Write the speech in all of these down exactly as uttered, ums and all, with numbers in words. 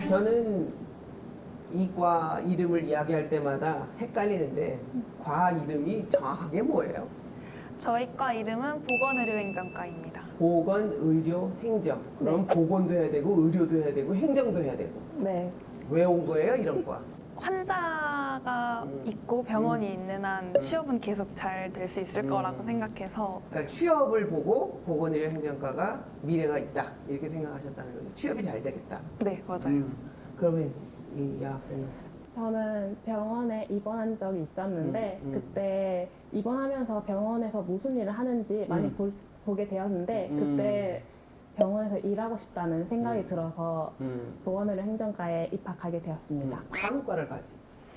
저는 이과 이름을 이야기할 때마다 헷갈리는데 과 이름이 정확하게 뭐예요? 저희 과 이름은 보건의료행정과입니다. 보건, 의료, 행정. 그럼 네. 보건도 해야 되고 의료도 해야 되고 행정도 해야 되고. 네. 왜 온 거예요, 이런 과? 환자가 음. 있고 병원이 있는 한 취업은 계속 잘 될 수 있을 음. 거라고 생각해서 그러니까 취업을 보고 보건의료 행정과가 미래가 있다 이렇게 생각하셨다는 거죠. 취업이 잘 되겠다. 네, 맞아요. 음. 그러면 이 여학생은 저는 병원에 입원한 적이 있었는데 음, 음. 그때 입원하면서 병원에서 무슨 일을 하는지 많이 음. 볼- 보게 되었는데 음. 그때 병원에서 일하고 싶다는 생각이 음. 들어서 음. 보건의료 행정과에 입학하게 되었습니다. 간호과를 가지.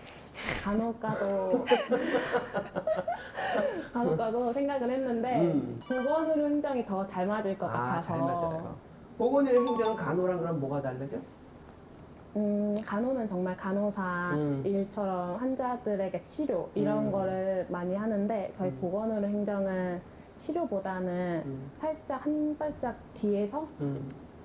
간호과도 간호과도 생각을 했는데 음. 보건의료 행정이 더 잘 맞을 것 아, 같아서 잘 맞아요. 보건의료 행정은 간호랑 그럼 뭐가 다르죠? 음, 간호는 정말 간호사 음. 일처럼 환자들에게 치료 이런 음. 거를 많이 하는데 저희 음. 보건의료 행정은 치료보다는 음. 살짝 한 발짝 뒤에서 음.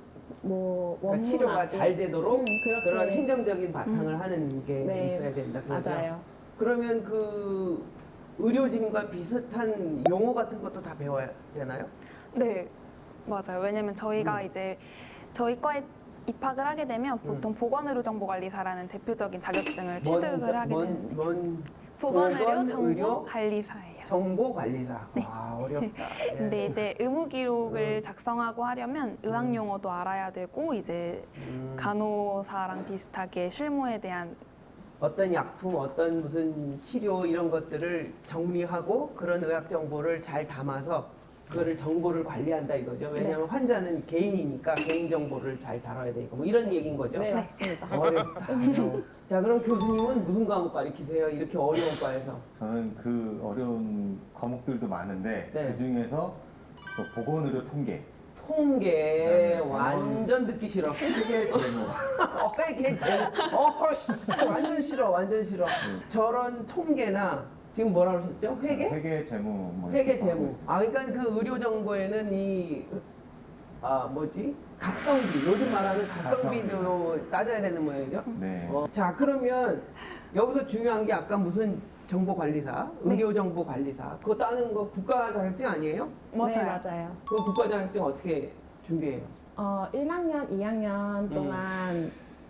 뭐 그러니까 원문하고 치료가 잘 되도록 음, 그렇게 그런 행정적인 바탕을 음. 하는 게 네. 있어야 된다. 그죠? 맞아요. 그러면 그 의료진과 비슷한 용어 같은 것도 다 배워야 되나요? 네, 맞아요. 왜냐면 저희가 음. 이제 저희 과에 입학을 하게 되면 보통 보건의료정보관리사라는 대표적인 자격증을 취득을 먼- 하게 먼- 되는데 먼 보건의료 보건, 의료, 정보관리사예요. 정보관리사. 와 어렵다. 예. 근데 이제 의무 기록을 음. 작성하고 하려면 의학 용어도 알아야 되고 이제 음. 간호사랑 비슷하게 실무에 대한 어떤 약품, 어떤 무슨 치료 이런 것들을 정리하고 그런 의학 정보를 잘 담아서 그거를 정보를 관리한다 이거죠. 왜냐하면 환자는 개인이니까 개인 정보를 잘 다뤄야 되니까 뭐 이런 얘기인 거죠. 네, 맞습니다. 어렵다. 어려워. 자 그럼 교수님은 무슨 과목 가르치세요? 이렇게 어려운 과에서. 저는 그 어려운 과목들도 많은데 네. 그 중에서 또 보건의료 통계 통계 네. 완전 듣기 싫어. 회계 재무. 어, 회계 재무. 어, 씨, 완전 싫어. 완전 싫어. 저런 통계나 지금 뭐라고 하셨죠? 회계? 회계 재무 뭐 회계 이렇게 하고 재무. 있습니다. 아, 그러니까 그 의료 정보에는 이 아, 뭐지? 가성비. 요즘 말하는 가성비도 따져야 되는 모양이죠. 네. 어, 자, 그러면 여기서 중요한 게 아까 무슨 정보관리사, 네. 의료정보관리사 그거 따는 거 국가 자격증 아니에요? 맞아요. 네, 맞아요. 그 국가 자격증 어떻게 준비해요? 어, 일 학년, 이 학년 동안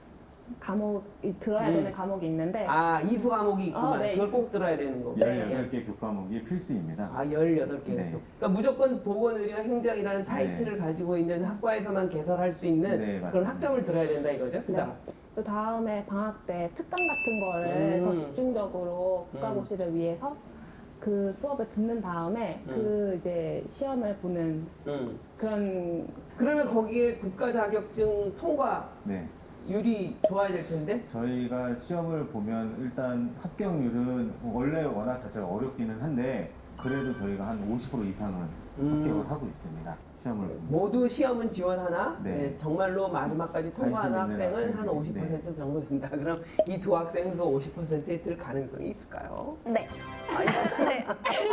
과목이 들어야 음. 되는 과목이 있는데 아, 이수 과목이 있구만. 어, 네, 그걸 이수. 꼭 들어야 되는 거고. 열여덟 개 교과목이 필수입니다. 아, 열여덟 개. 네. 그러니까 무조건 보건의료 행정이라는 타이틀을 가지고 있는 학과에서만 개설할 수 있는 네, 그런 맞습니다. 학점을 들어야 된다 이거죠? 그다음. 그 다음에 방학 때 특강 같은 거를 음. 더 집중적으로 국가고시를 위해서 그 수업을 듣는 다음에 음. 그 이제 시험을 보는 음. 그런 그러면 거기에 국가 자격증 통과 네. 율이 좋아야 될 텐데? 저희가 시험을 보면 일단 합격률은 원래 워낙 자체가 어렵기는 한데 그래도 저희가 한 오십 퍼센트 이상은 음. 합격을 하고 있습니다. 시험을 보면. 모두 시험은 지원하나 네. 네, 정말로 마지막까지 통과하는 관심 있는 학생은 한 학생들이, 오십 퍼센트 정도 된다. 그럼 이 두 학생은 그 오십 퍼센트에 들 가능성이 있을까요? 네. 네.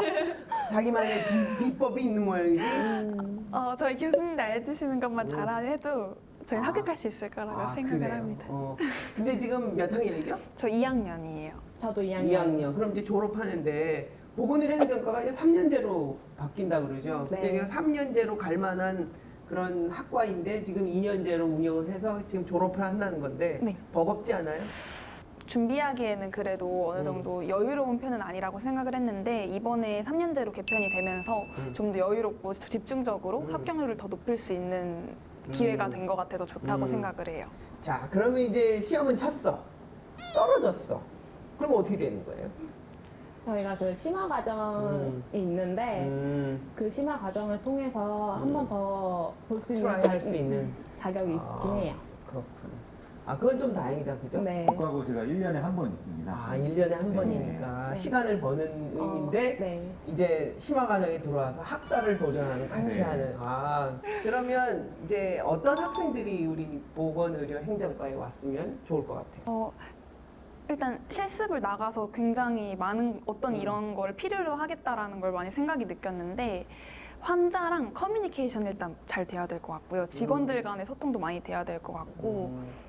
자기만의 비, 비법이 있는 모양이지? 어, 저희 교수님들 알려주시는 것만 잘해도 저희는 아. 합격할 수 있을 거라고 아, 생각을 그래요? 합니다. 어. 근데 지금 몇 학년이죠? 저 이 학년이에요. 저도 이 학년. 이 학년. 그럼 이제 졸업하는데 보건의료 행정과가 이제 삼 년제로 바뀐다 그러죠. 근데 네. 이게 삼 년제로 갈 만한 그런 학과인데 지금 이 년제로 운영을 해서 지금 졸업을 한다는 건데 네. 버겁지 않아요? 준비하기에는 그래도 어느 음. 정도 여유로운 편은 아니라고 생각을 했는데 이번에 삼 년제로 개편이 되면서 음. 좀 더 여유롭고 집중적으로 음. 합격률을 더 높일 수 있는 기회가 음. 된 것 같아서 좋다고 음. 생각을 해요. 자, 그러면 이제 시험은 쳤어. 떨어졌어. 그럼 어떻게 되는 거예요? 저희가 그 심화 과정이 음. 있는데 음, 그 심화 과정을 통해서 한 번 더 볼 수 있는 트라이 할수 있는. 자격이 아. 있긴 해요. 그렇군. 아, 그건 좀 다행이다, 그죠? 네. 국가고시가 일 년에 한 번 있습니다. 아, 일 년에 한 네. 번이니까 네. 시간을 버는 어, 의미인데 네. 이제 심화 과정에 들어와서 학사를 도전하는 같이 네. 하는 아 그러면 이제 어떤 학생들이 우리 보건의료 행정과에 왔으면 좋을 것 같아요. 어, 일단 실습을 나가서 굉장히 많은 어떤 음. 이런 걸 필요로 하겠다라는 걸 많이 생각이 느꼈는데 환자랑 커뮤니케이션 일단 잘 돼야 될 것 같고요. 직원들 간의 소통도 많이 돼야 될 것 같고 음,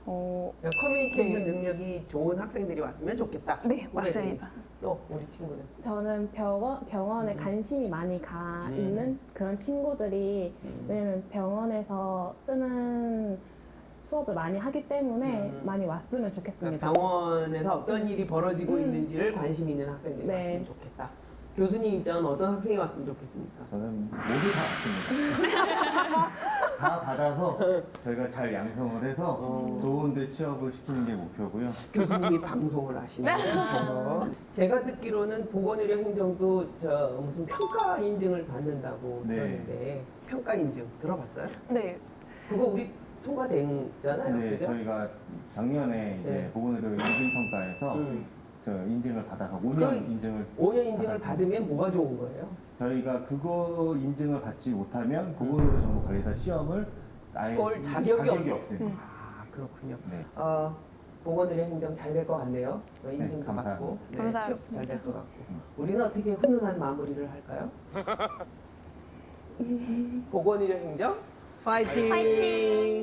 어, 그러니까 커뮤니케이션 네. 능력이 좋은 학생들이 왔으면 좋겠다. 네, 맞습니다. 또 우리 친구는 저는 병원, 병원에 음. 관심이 많이 가 음. 있는 그런 친구들이 음. 왜냐면 병원에서 쓰는 수업을 많이 하기 때문에 음. 많이 왔으면 좋겠습니다. 그러니까 병원에서 어떤 일이 벌어지고 음. 있는지를 관심 있는 학생들이 네. 왔으면 좋겠다. 교수님 입장은 어떤 학생이 왔으면 좋겠습니까? 저는 모두 다 받습니다. 다 받아서 저희가 잘 양성을 해서 어. 좋은 데 취업을 시키는 게 목표고요. 교수님이 방송을 하시는 거죠. 제가 듣기로는 보건의료 행정도 저 무슨 평가 인증을 받는다고 네. 들었는데 평가 인증 들어봤어요? 네, 그거 우리 통과된잖아요, 네, 그죠? 저희가 작년에 이제 네. 보건의료 인증평가에서 음. 저 인증을 받아서 오 년 그 인증을 오 년 인증을 받으면 뭐가 좋은 거예요? 저희가 그거 인증을 받지 못하면 보건의료 정보관리사 시험을 아예 볼 자격이 없- 없습니다. 아 그렇군요. 네. 어, 보건의료 행정 잘 될 것 같네요. 어, 인증도 감사합니다. 받고 네, 감사합니다. 취업도 잘 될 것 같고. 우리는 어떻게 훈훈한 마무리를 할까요? 보건의료 행정 파이팅! 파이팅!